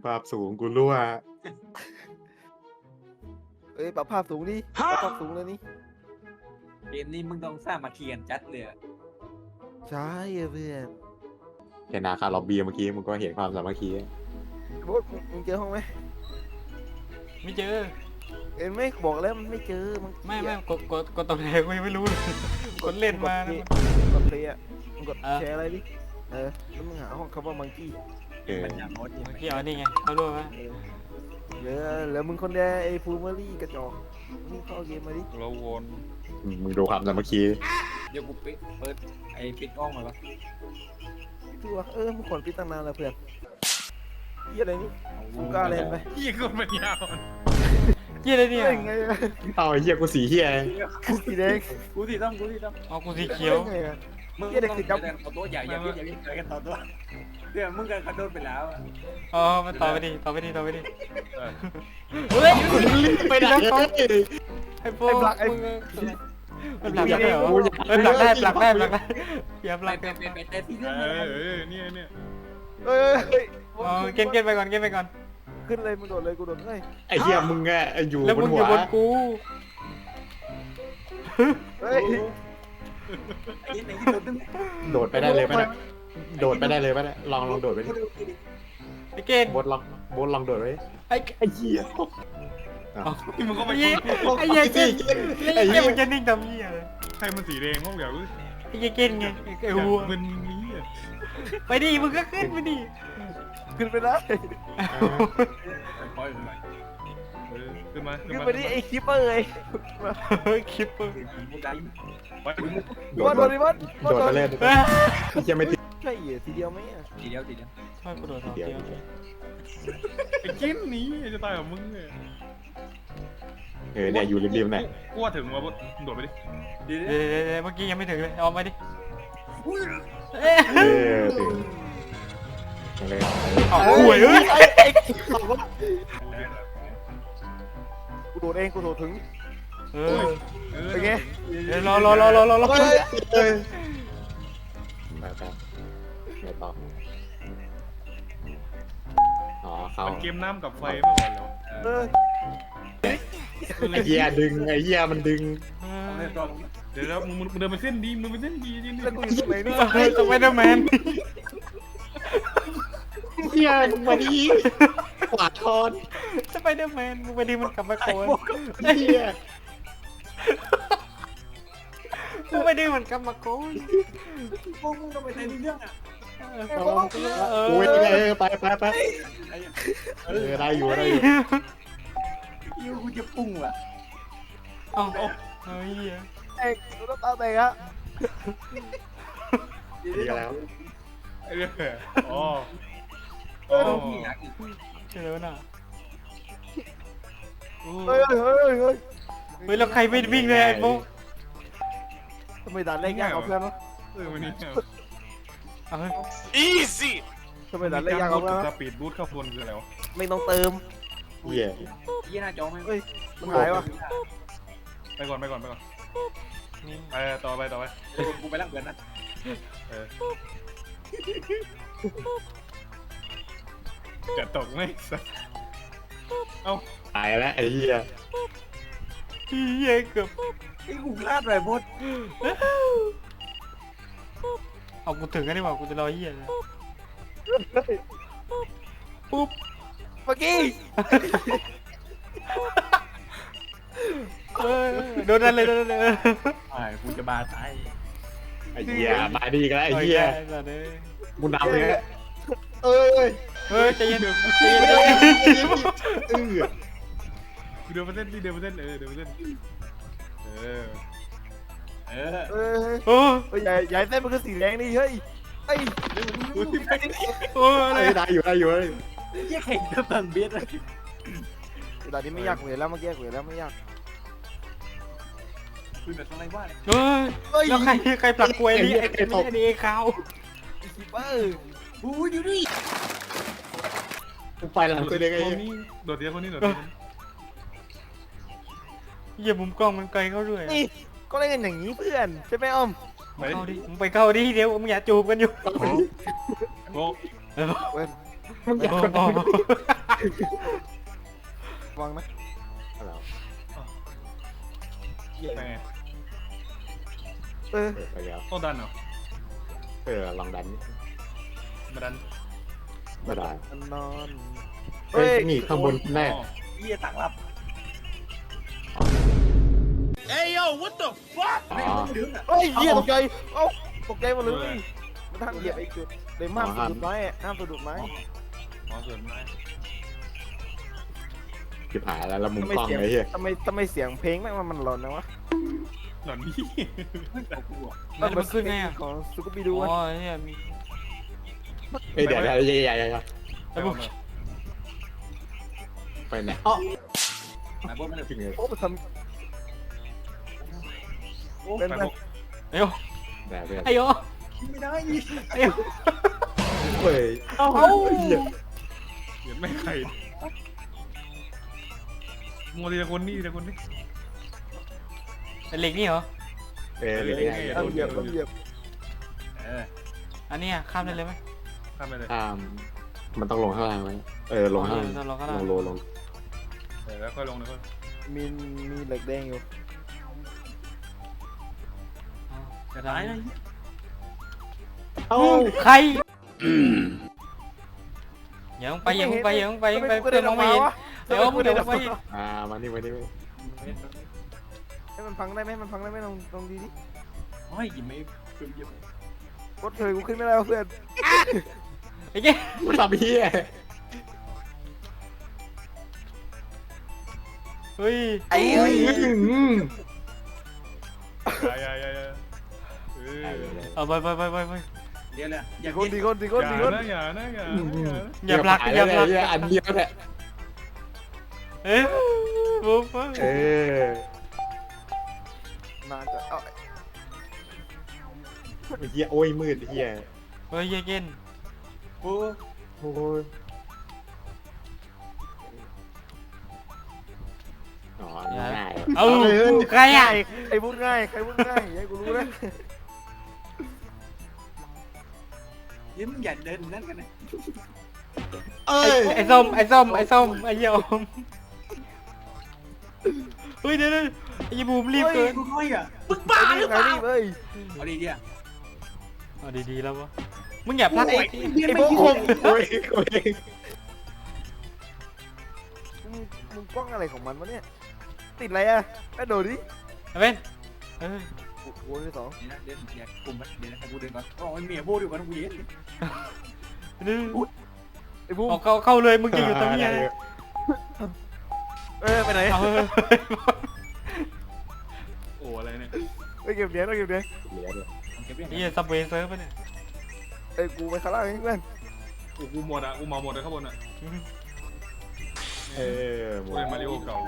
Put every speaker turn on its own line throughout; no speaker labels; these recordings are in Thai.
ภาพสูงกูรั่ว
เอ้ยปรับภาพสูงดิปรับภาพสูงเลยนี่
เกมนี้มึงต้องสร้างมาเทียนจัดเลย
ใช่เพื่อน
เห็นนาคาล็อบบี้เมื่อกี้มึงก็เห็นความสามัคคี
โบ๊ทมึงเจอห้องไหม
ไม่เจอ
เอ็นไม่บอกแล้วมันไม่เจอมึง
ไม่กดตรงไหนกูยังไม่รู้เลยกดเล่นมานะ
กดเพลย์อ่ะมึงกด
เออ
แชร์อะไรดิแล้วมึงหาห้องคำว่ามังกี้
มันอย่างโน้ต
เมื่อกี้เอานี่ไงเขารู้ไหม
เหลือมึงคนเดียวไอ้ฟูเมอรี่กระจอกมึงเข้าเกมมาดิ
เราวน
มึงดูความสามัคคี
เดี๋ยวกูเปิดไอ้ปิดกล้องมาปะ
ตัวมึงขนปิดตั้งนานแล้วเพื่อนเหี้ยอะไรนี่กูกล้าเล่นไป
ยี่ก็มันยาว
เหี้ยอะไรเนี่ย
เล่นไงอะ
เอาไอ้เหี้ยกูสีเหี้ย
กูสีแดง
กูที่ต้อง
เอากูสีเขียว
ล่นไงอะ
มึง
เหี้ยเด็ก
ต้อง
ติดจับ
ต่อตัวอย่าเจอกันต่อตัวเดี๋ยวมึงกันกระโดดไปแล้ว
อ๋อมันต่อไปดิเฮ้ย
ไปไหน
ไอ้พวกมึงมันหลักได้เหรอหลักได้อย่าหลัก
ไปแต่ที่เรื่อง
เนี่ย
เฮ้ย
อ๋อเกณฑ์ไปก่อน
ขึ้นเลยมึงโดดเลยกูโดดเลย
ไอ้เหี้ยมึงอะอยู่
แล้ว
บ
มึ
น
งอ
หัว
ยู่บนกู
เฮ้ย
ไอ้ไหนที่โดนตึ้ง
โดดไปได้เลยปะเนี่ยโดดไปได้เลยปะเนี่ยลองโดดไปดิ
ไอ้เกณฑ์
โบทลองโดดไปดิ
ไอ้
ไอ้เหี้ย
มึงก็ไป
เหี้ยเกณฑ์ไอ้เหี้ยมันจะนิ่งทำเหี้ยเลย
ใครมันสีแดงมั้งเดี๋ยว
ไอ้เหี้ยเกณฑ์ไงไอ้หัว
มันนี้
ไปดิมึงก็ขึ้นไปดิ
ขึ้นไปได้
ปล่อยไป
ขึ้นมา
ขึ้นไปดิไอ้คิปเปอร์เลย
คลิปเปอร์
มึงได้
ไป
บอลโดดดิบอล
โดดไปเล่นเหี้ยไม่ติด
ใช่เหรอทีเดียวไหมอ่ะ
ทีเดียว
ช่วยกูโดดสองเดียว
ไอ้กินนี้จะตายกับมึงเนี่ย
เนี่ยอยู่ริมๆเนี่ย
กูว่าถึงมาบดโดดไปดิ
เดี๋ยว
เดี๋ยวเมื่อกี้ยังไม่ถึงเลยเอามาดิ
ถึงเลย
เอาห่วยเอ้ย
กูโดดเองกูโดดถึง เป็นไง
รอ
ไปไม่ต่ออ๋อเขา
มันเกมน้ำกับไฟเมื่อก่อนแล้ว
เออ
ไอ้เหี้ยดึงไอ้เหี้ยมันดึง
เดี๋ยวมึงเดินไปเส้นดีมึงไปเส้นดีนี่
แล้วกูอยู่ตรงไหนเนี่ย
สไปเดอร์แมน
เหี้ยมึงมาดิขวาทอน
สไปเดอร์แมนมึงไปดิมันกลับมาโคน
เหี้ย
มึงไปดิมันกลับมาโคน
มึงต้องไปในเรื่องอ่ะ
โอ้ยไปได้อยู่
ยูกูจะปุ้งว่ะ
เอาเฮ้ย
เอ้ยกูต้องตาแตกอะ
ดีแล้ว
อ๋อ
เจอน่ะ
เฮ้ย
เฮ้ยแล้วใครไม่วิ่งเลยไอ้โบ
ทำไมด่านแรกยากกว่าเพื่อนวะ
วันนี้
เอาเฮ้ย
ทำไมด่านแรกยากกว่าเพื่อน
ส
วะ
ปีดบูทเข้าบนคืออะไรวะ
ไม่ต้องเติม
เหี้ย
ยี่หน้าจอไหม
มันหายวะ
ไปก่อนไปต่อไป
กูไปรับเงินนะ
จะตกไหมเอา
ตายแล้วไอ้เหี้ย
เหี้ยเกือบ
ไอ้กูพลาดไปบด
เอากูถึงกันดีกว่ากูจะรอเหี้ยเลยปุ๊บ
เมื่อกี้
โดนนั่นเลย
กูจะบาตาย
ไอ้เหี้ยมาดีกันแล้วไอ้เหี้ยกูนำเลย
เอ้ย
เฮ้ยใจเย็น
เออ
เดินมาเส้นดิเดินมาเส้นเดินมาเส้น
เออ
เอ้ย
โอ้
เฮ้ยใหญ่เส้นมันคือสีแดงนี่เฮ้ยเฮ้ย
โอ้อะไร
ได้อยู่
ยี่แข่งกับตันเบียดเลย
ด่านนี้ไม่ยากเหมือนแล้วเมื่อกี้เหมือนแล้วไม่ยาก
คุยแบบอะไรวะ
เฮ้ยแล้วใครผลักกล้วยนี่ไอ้นี่ขาว
คิปเปอร์
กูอยู่นี่
กูไปหลังตัวเด็กไอ้
คนนี้โดดเดียวคนนี้โดดเดียว
เหี้ยมุมกล้องมันไกลเข้าด้วย
นี่ก็เล่นกันอย่างนี้เพื่อนใช่ไหมอ้อม
ไป
เข้าดิมึงไปเข้าดิเดี๋ยวมึงอย่าจูบกันอยู่
โอ้
เว้ย
มึงอยาก
โอ้
วางนะ
อะไรวะ
ไปไง
เออ
ไปแล้ว
ต้องดันเหรอ
ลองดัน
มาดัน
ไม่ได้
มันนอน
เฮ้ยนี่ข้างบนแน่
อ๋อ
เหี้ยต่างรับ
อ๋อ
เฮ้ยเหี้ยตกใจเอ้าตกใจหมดเลยมันทำเหยียบไอ้จุดเลยห้ามสะดุดไม้ห้ามสะดุดไม้
อ๋อส่วนไม้
จิบหายแล้วมุมกล้องไอ้เหี้ย
ทำไมเสียงเพลงแม่งมันหลอนนะวะ
หนอนพี่
แล้วมันขึ้นไงอ่ะ
ของซูกูบิดู
อ๋อเนี่ยมี
เดี๋ยวใหญ่
ไปหมดเลย
ไปไหนอ๋อ
ไหนพวกมัน
จริงเลย
โอ้มันท
โอ้
ำเป็น
ไป
ไง
พวก
ไอ้โย
ไหนเพื่อน
ไอ้โย
ไม่ได้
ไอ้โย
เฮ้ยเอ้าเหี้ย
เดี๋ยวไม่ใครมัวทีละคนนี่ทีละคนนี่
ไอ้เหล็กนี่เหรอ
เดี๋ยว
เอาเหยียบเอาเหยียบ
อันนี้อ่ะข้ามได้เลยไหม
ข้ามไปเลย
มันต้องลงข้างล่างไหมลงข้างล่าง
ลงข้างล่าง
ลง
แล้วค่อยลงเลยค่อย
มีเหล็กแดงอยู่
จะ
ตาย
ทำ
นะ
เอ้า
ใครอย่าลงไปอย่าลงไปอย่าลงไปอย่าลงไปเพื่อนมองไม่เห็นเดี๋ยวมึงเดี๋ยวลงไป
มานี่มานี่
ให้มันพังได้ไหมมันพังได้ไหมลองดีดิ
โอ้ยยิ้มไม่เพิ่มเยอะ
กดเคยกูขึ้นไม่ได้เพื่อน
ไอ้เจ๊
มันทำเหี้ย
เฮ้ย
ไอ้
เฮ้ย
อย่า
เอาไป
เดี๋ยวเลยอย่า
คนดี
อย่านะ
อย่าผลักอย่าผลัก
อันเดียวแหละ
เอ้ยปุ๊บ
นานจะเอา
เหี้ยโอ้ยมืดเหี้ย
เฮ้ยเย็น
โอ้
โอ้ยอ๋อง่าย
เอาใครอ่ะ
ใครพูดง่ายให้กูรู้นะ
ยิ้มอย่าเดินนั่นกันนะ
เอ้ย
ไอ้ส้มไอ้เหี้ยอมเฮ้ยเดี๋ยวไอ้บูมรีบเกิน
กูค่อยอ่ะ
บ้าหรือเปล่าเฮ้ย
เอาดีเดียว
เอาดีๆแล้ววะมึงอย่าพลาดไอ้
ไอ้พวกคง
โอ้ย
มึงกล้องอะไรของมันวะเนี่ยติดอะไรอ่ะไอ้โดดดิ
เว้นเออ
โว้ยที่สอง
นี่นะเดินอย่ากลุ่มมันเดี๋ยวนะกูเดินก่อนโอ้ยเมียพูดอยู่กันกูเย็น
ไอ้บูม
เข้าเลยมึงจะอยู่ตรงนี้ไง
ไปไหน
เอา
โอ้อะไรเนี่ย
ไปเก็บเหรียญ
เหลือด้วย
เก็บเรื่อง
ไอ้เหี้ยซับเวย์เซิร์ฟปะเนี่ย
ไอ้กูไปข้างล่างเองเพื่อน
กูหมดอ่ะกูเมาหมดเลยข้างบนอ่ะ
หม
กู
ด
เล่นมาริโอเก่า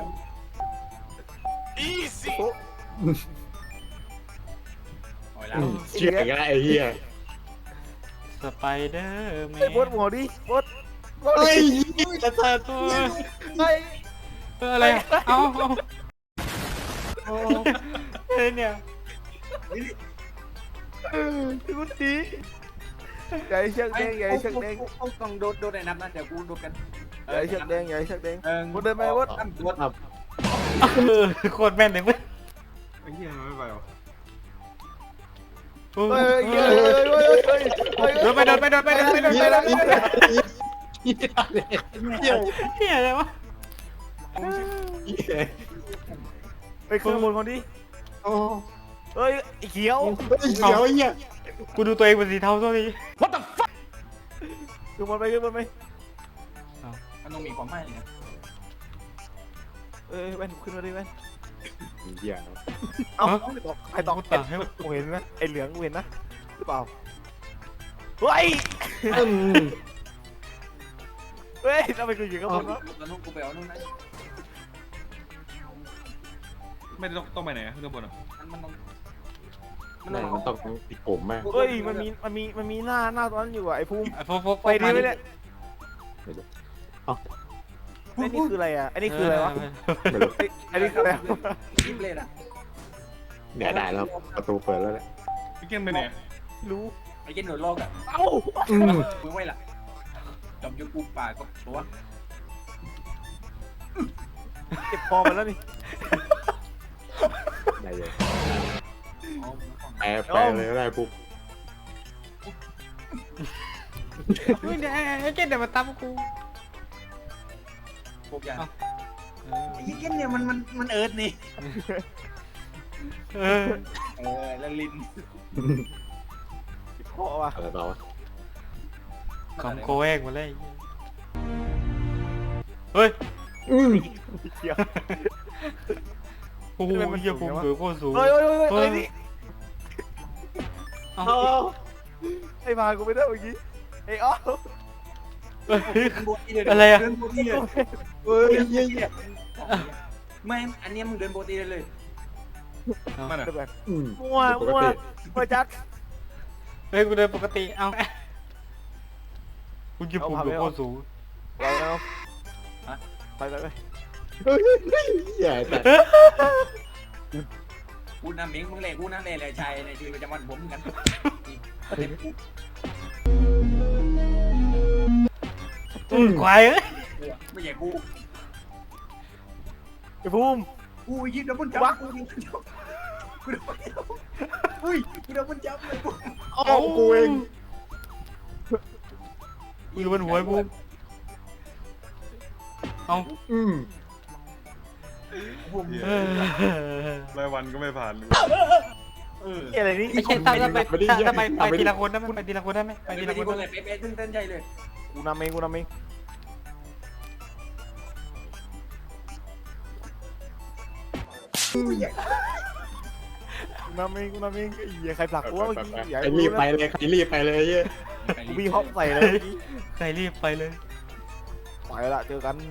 โอ้ยแล้ว
เชื่ออีกแล้วไอ้เหี้ย
สไปเดอร์แม
ไอ้บด
น
หัวดิบด
เฮ้ยจะเจอ
ไอ้
อะไรเอาเฮ้ยเนี่ย
กูตีใหญ่เชือกแดงใหญ่เชือกแดง
ต้องโดดในน้ำนะเดี๋ยวกูโดดกัน
ใหญ่เชือกแดงบดเดินไปบด
โดด
โคตรแม่นเลยเว้ย
ไอ้เหี้ยไม่ไปหรอ
เฮ้ย
เดินไปเฮียอะไรวะ
ไปขึ้นบนคนดิเฮ้ยไอ้เขียว
เขียวไอ้เหี้ย
กูดูตัวเองเป็นสีเทาตัวนี้
ขึ้นบนไป
มันต้องมีความหมายนะ
แว่นขึ้นมาดิแว่น
เหี้ย
เอ้าใครตอก
ตัดให้
กูเห็นนะไอ้เหลืองกูเห็นนะหรือเปล่าเฮ้ยทำไมกูอยู่ข้างบนวะ
แล้วนู่นกูไปเอานู่นนะ
ไม่ต้องไปไหนข้างบนอ่ะ
มันต้อง
มันต้องติดผมแม่
เฮ้ยมันมีหน้าตอนนั้นอยู่อ่ะไอ้ภูมิ
พก
ไปดีไหมเนี่ยไอ้นี่คืออะไรอ่ะไอ้นี่คืออะไรวะ
ไม่รู้
ไอ้นี่คืออะไร
ยิบเลยอ่ะ
เนี่ยได้แล้วประตูเปิดแล้วแหละ
พี่เก่งไปไหน
รู้
ไอ้เจนโดดโลกอ่ะ
เอ้า
มึงไว้ล่ะจอมยุกูป่าก็ตัว
เจ็บคอมันแล้วนี่
ได้เลย
อ๋อ
แปลเลยก็ได้ปุ๊บ
เฮ้ยเดี๋ยวไอ้เจ๊เดี๋ยวมาตั้มกู
พวกอย่าง
เออ
ไอ้ยี่เก้นเนี่ยมันเอิร์ดนี่
เออ
แล้วลิน
เจ็บคอว่ะ
อะไรต่อวะ
คำโกเองมาเลยเฮ้ย
เกี่ยว
โอ้โหเหี้ยผมเบือโคตรสูง
เฮ้ยเฮ้ยเฮ้ยเฮ้ยนี่
เอ้า
ไอ้มากูไม่ได้เมื่อกี้ไอ้อ๋อ
เฮ้ย
เดิน
อะไรอะ
เดินโบตี้เลย
เฮ้ยเหี้ย
ไม่อันเนี้ยมึงเดินโบตี้เลย
มันอ่ะ
เดี๋ยวก่อน
อืม
มั่วมั่วมั่วจัด
เฮ้ยกูเดินปกติเอ้ากูจะผมเบือโคตรสูง
เราเอาไปไปไป
เฮ้ยเหี้ยแต่
กูน้ำเม้งมึงเลยกูน้ำเลยเลยชายในชีวิตประจำวันผมเหมือนกัน
ควายเอ้ย
ไม่ใช่กู
ไอ้ภูมิ
กูยิงดับเบิลจับกูยิงดับเบิลจับกูดับเบิลจับอุ้ยกูดับเบิลจับเลยกู
เอากูเอง
กูอยู่บนหัวไอ้บูมเอ้า
อืม
ผม
เออ
รายวันก็ไม่ผ่านเลย
เกี่ยอะไรนี่
ไม่ใช่ถ้าไปทีละคนได้ไหมไปทีละคนได้ไหมไป
ไป
ที
ที
ละ
ละ
ค
คน น
ได้
เล
ไหม
ยเป๊ะๆตึ้งเต้นใจเลย
กูนำเองกูนำเองกูนำเองกูนำเองไอ้เหี้ยใครผลักกูวะเมื่อกี้อยาก
ใคร
ให้
รี
รู้
บไป
นะ
เลยใครรีบไปเลยเหี้ย
กูวิ่งฮอปใส่เลยเมื่อกี้
ใครรีบไปเลย
ไปละเจอกัน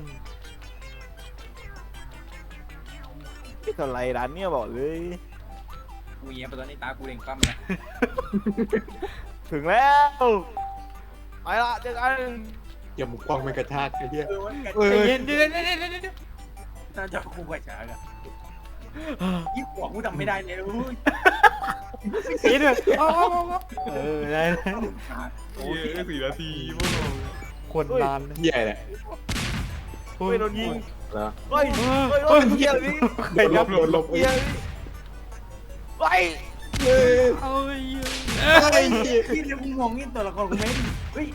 ไม่เท่าไรร้านเนี่ยบอกเลย
กูเงี้ยไปตอนนี้ตากูเร่งปั๊มเลย
ถึงแล้วไปละเจอกัน
อย่ามุกกล้องไม่กระชากไอ้เหี้ย
วันกัน
ใจเย็นเดี๋ยว
น่าจะกูกว่าช้าอะยิ่งกว่ากูทำไม่ได้เลยอุ้ย
เย็นด้วยเออได้
โอ้ย4 นาทีพวกเรา
คนนาน
เหี้ยแหละ
เฮ้ยโดนยิง
แล้ว
เฮ้ยเฮ้ยเฮ้ยเฮียอะไรนี่
ใครยับ
หลบ
เฮียอะไรนี่เฮ้ย
เฮ้ย
เอ้ย
ไอ้เหี้ย
พี่เดี๋ยวกูมองนี่ตัวละครกูไม่เฮ้ย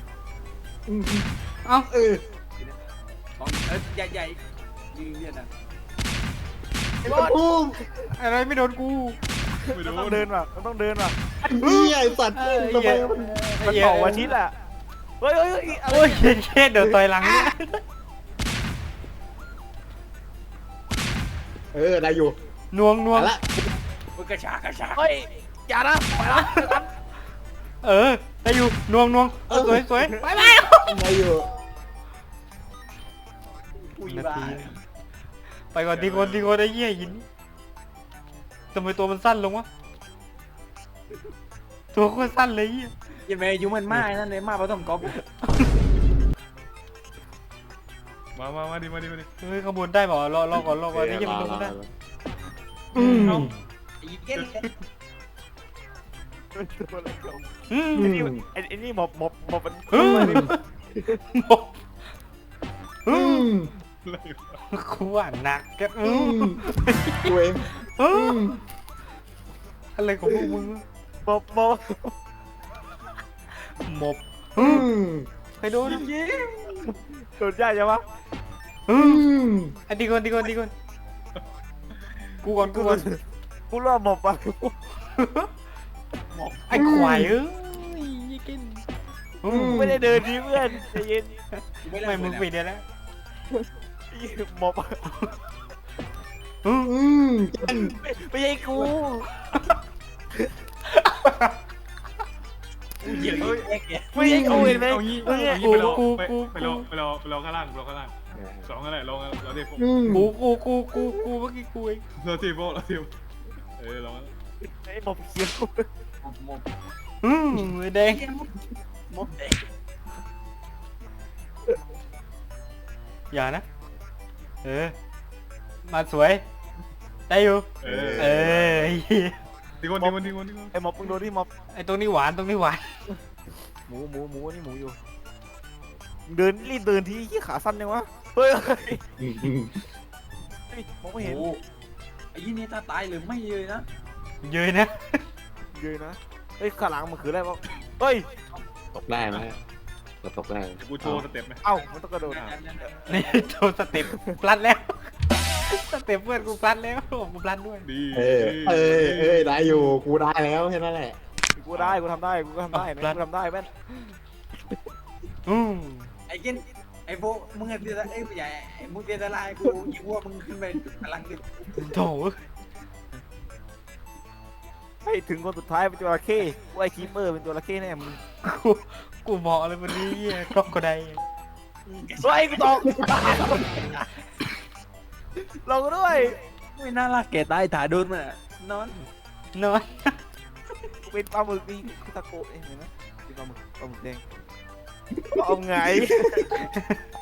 เอ้า
เออ
ของใหญ่ยิงเนี่ยนะ
ไอ้บอส
ปุ๊บ
อะไรไม่โดนกู
ไม่
มัน
รู้
ต้องเดินว่ะมันต้องเดินว่ะ
เหี้ยไอ้สัตว์ทำไมมัน
มันต่อวันอาทิตย์อ่ะเฮ้ยเฮ้ยเฮ้ยอะไร
โอ้ยเช็ดเดี๋ยวต่อยหลังเนี่ย
เออได้อยู่
นวง
มาละ
มึงกระชากกระชาก
เฮ้ยอย่านะไปละเจอกัน
เออได้อยู่นวงสวยไป
ได้อยู่
อุ้ย
นา
บ้า
ทีไปก่อนทีคนไอ้เหี้ยหินทำไมตัวมันสั้นลงวะตัวโคตรสั้นเลยเหี้ย
ยังไงยุ่มันมากนั่นเลยมากเพราะต้องก๊อป
มาดิ
เฮ้ยขบวนได้เปล่ารอก่อนนี่ยังมันลงไม่ได้
อืม
ไอ้เก้น
อืม
ไอ้นี่ไอ้นี่หมอบมัน
อืม
อืม
กูว่าหนักแก
อืมกูเองอืม
อะไรของพวกมึง
หมอบ
หมบ
อืม
ใครโดน
โดนยากใช่ปะ
อืม
อันดีก่อนกูก่อน
กูรอหมอบอ่ะ
ไอ้ควายเอ้ยยี่กิน
ไม่ได้เดินดีเพื่อนใจเย็น
ไม่มึงปิดได้แล้ว
หมอบ
อืมจัน
ไม่ใช่กู
เหี้ยแยกเนี่ย
ไม่ใช่กูเห็นไหม
เอางี้ไปรอข้างล่างสองกันแหละรอเทป
อืม
กูเมื่อกี้กูเอง
รอเทปรอ
ไอ้หมอบเขียว
หมด
ไอ้แดง
หมดเด็ก
อย่านะมาสวยได้อยู่
เออ
ไ
ทีคน
ไอ้หมอบมึงโดนที่หมอบ
อ้ตรงนี้หวาน
หมูนี่หมูอยู่เดินรีบเดินทีขี้ขาสั้นยังวะเฮ้ยมองไม่เห็น
โอ้ไอ้ยี่นี่ถ้าตายหรือไม่เลยนะ
เยยนะ
เยอะนะเฮ้ยข้างหลังมันคืออะไรวะเฮ้ย
ตกได้ไหมเราตกได้
กูโชว์สเต็ปไหม
เอ้ามันต้องกระโดด
นี่โดนสเต็ปพลัดแล้วสเต็ปเพื่อนกูพลัดแล้วกูพลัดด้วย
ดี
ได้อยู่กูได้แล้วแค่นั้นแหละ
กูได้กูทำได้กูก็ทำได้นะกูทำได้แม่น
ไอ้เกนไอ้พวกมึงเตียไอ้ใหญ่มึงเตียละลายกูยิงว่ามึงขึ้นไปพลังดิ
โถ
ให้ถึงคนสุดท้ายเป็นจระเข้กูไอ้คีเปอร์เป็นจระเข้แน่มึง
กูบอกอะไรวันนี้ครอบก็ได้
เฮ้ยกูตกลงด้วย
ไม่น่ารักแกตายถ่ายโดนมันนอน
นอน
กูเป็นปลาหมึกนี่คือตะโกเห็นไหมเป็นปลาหมึกแดงเอาไง